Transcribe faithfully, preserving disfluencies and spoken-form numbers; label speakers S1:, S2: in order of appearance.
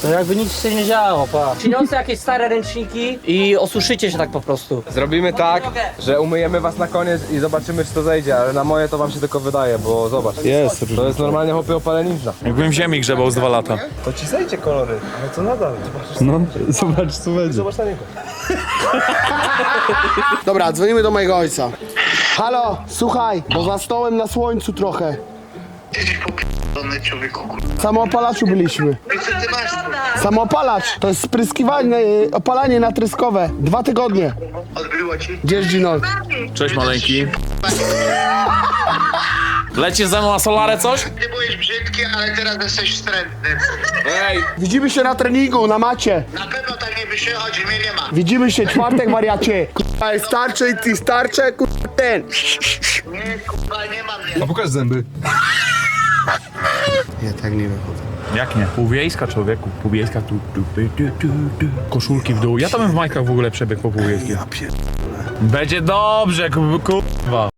S1: To jakby nic się nie działo, pa. Przyniosę jakieś stare ręczniki i osuszycie się tak po prostu.
S2: Zrobimy tak, że umyjemy was na koniec i zobaczymy, czy to zejdzie, ale na moje to wam się tylko wydaje, bo zobacz.
S3: Jest.
S2: To jest normalnie chłopie opaleniczna.
S3: Jakbym w ziemi grzebał z dwa lata.
S2: To ci zejdzie kolory, ale to nadal. Zobaczysz,
S3: No, zobacz co będzie.
S2: zobacz na niego.
S4: Dobra, dzwonimy do mojego ojca. Halo, słuchaj, bo za stołem na słońcu trochę.
S5: Jesteś popierdolony, człowieku, kurwa.
S4: Samoopalaczu byliśmy.
S5: I co ty masz?
S4: Samoopalacz, to jest spryskiwanie, y, opalanie natryskowe. Dwa tygodnie.
S5: Odbyło ci?
S4: Gdzież Ginol?
S3: Cześć maleńki. Lecisz ze mną na solarę coś?
S5: Ty byłeś brzydki, ale teraz jesteś wstrętny.
S3: Ej!
S4: Widzimy się na treningu, na macie.
S5: Na pewno tak nie wychodzi, mnie nie ma.
S4: Widzimy się czwartek, wariacie. Kurwa, jest starczy i ty starcze, kurwa, ten.
S5: Nie, kurwa, nie ma mnie.
S3: A pokaż zęby.
S4: Ja tak nie wychodzę.
S3: Jak nie? Półwiejska człowieku, półwiejska tu, tu, tu, tu, tu, tu. Koszulki w dół. Ja tam w majkach w ogóle przebiegł po półwiejskiej. Będzie dobrze, ku- kurwa.